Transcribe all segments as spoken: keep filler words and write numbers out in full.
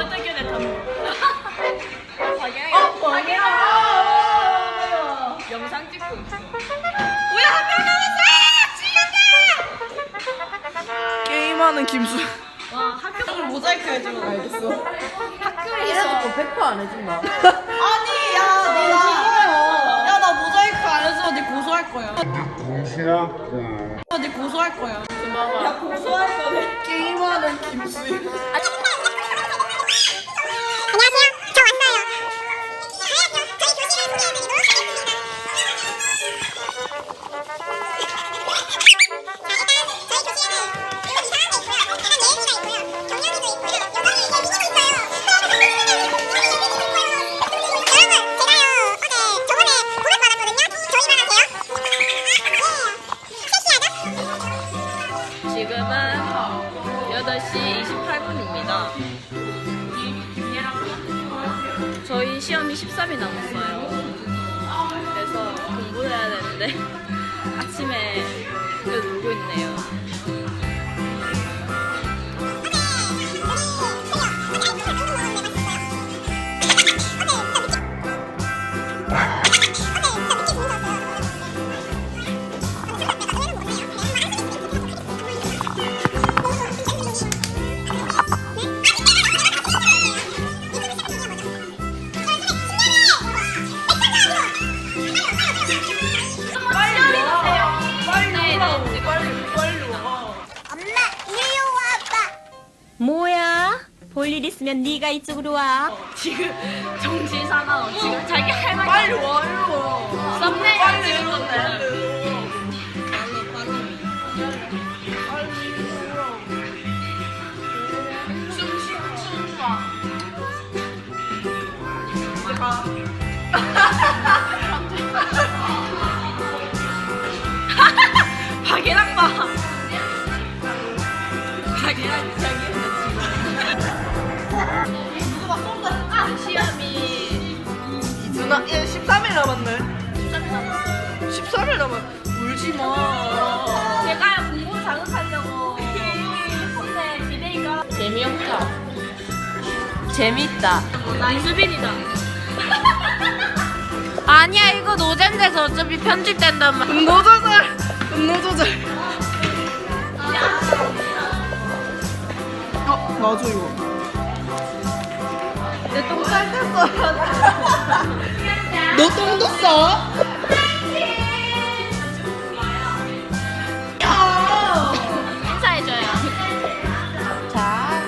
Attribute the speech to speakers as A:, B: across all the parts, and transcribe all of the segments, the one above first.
A: 어떻게 됐다. 방향이.
B: 어, 방향.
A: 영상 찍고 있어.
B: 뭐야, 한 명 남았어! 게임하는 김수.
A: 와 학교
B: 모자이크 해주면 알겠어.
A: 학교에서
B: 백 퍼센트 안 해준다. 아니, 야, 너 나. 야, 나 모자이크 안 해서 니 고소할 거야.
C: 고소할
B: 니 고소할 거야.
A: 야 고소할 거네.
B: 게임하는 김수희.
A: 지금은 여덟 시 이십팔 분입니다. 저희 시험이 십삼 일 남았어요. 그래서 공부를 해야 되는데 아침에 그래도 놀고 있네요.
D: 뭐야? 볼 일 있으면 네가 이쪽으로 와.
A: 지금 정신 사나워. 지금 자기 할 말이
B: 빨리 와, 일로 와.
A: 썸네일 찍은 건데. 박예랑 봐. 박예랑 자기 시험이
B: 누나, 얘 십삼 일 남았네.
A: 십삼 일 남았어.
B: 십삼 일 남았. 울지 마.
A: 제가 공부 자극하려고 근데 비데이가 재미없다.
D: 재밌다.
A: 이수빈이다.
D: 아니야, 이거 노잼돼서 어차피 편집된단 말이야.
B: 분노 조절. 분노 조절. 어, 놔줘 이거. 내 똥 쌀 뗐어. 너 똥도 싸?
A: 인사해줘요.
D: 자,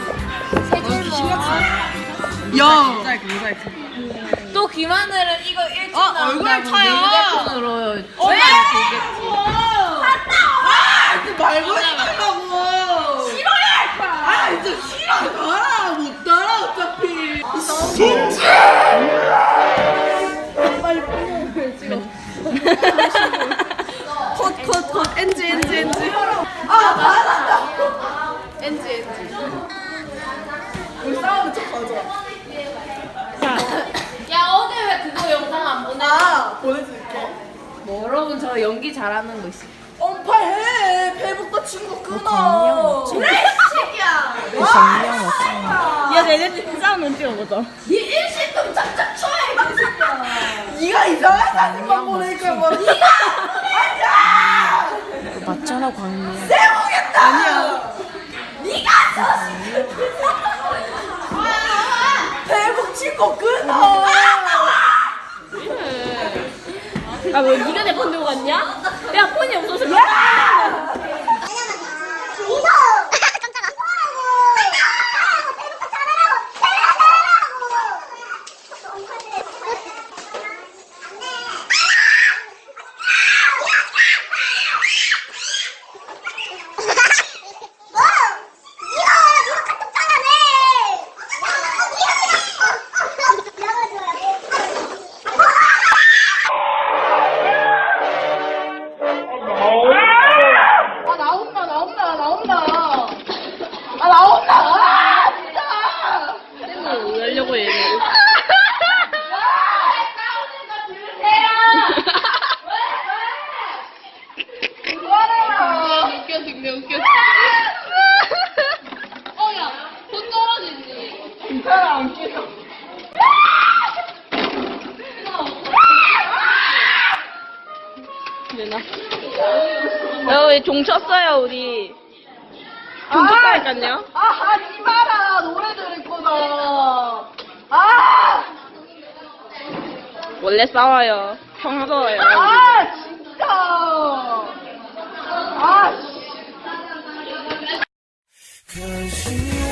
B: 야. 모자이크, 모자이크.
D: 또 김하늘은 이거 일찍
B: 어,
D: 나온다고
B: 얼굴 차요.
D: 휴대폰으로
B: 왜?
D: 전화를
B: 아, 이제 말고 싶다고. 싫어야 할 거야. 아, 진짜 싫어. 가라. 못 따라 어차피. 빨리 뽕을 찍어. 컷, 컷, 컷. 엔지, 엔지, 엔지. 아, 맞았다. 엔지, 엔지. 우리 싸우는 척 가져와.
D: 야, 어제 왜 그거 영상 안 보내?
B: 아, 보내줄게.
D: 뭐, 여러분 저 연기 잘하는 거 있어.
B: 언팔해. 페북도 친구 끊어. 그래, 새끼야.
D: 정령 없어.
A: 야, 내내 싸움 은 찍어보자.
B: 네 일신금 짝짝 쳐야 이 새끼야. 네가 이상한 사진만 보내니까 뭐. 네가 아니야.
D: 맞잖아, 광미야.
B: 세우겠다. 아니야. 네가 페북 친구 끊어.
A: 아, 왜 니가 내 폰 들고 갔냐? 야, 폰이 없어서.
B: 야.
C: 것
B: 기타를 안 끼려.
A: 되나? 야, 우리 종 쳤어요, 우리. 종 쳤다니까요?
B: 아, 하지 마라. 노래 들을 거다. 아!
A: 원래 싸워요. 평소에요.
B: 아, 진짜. 아, 씨.
C: Cause you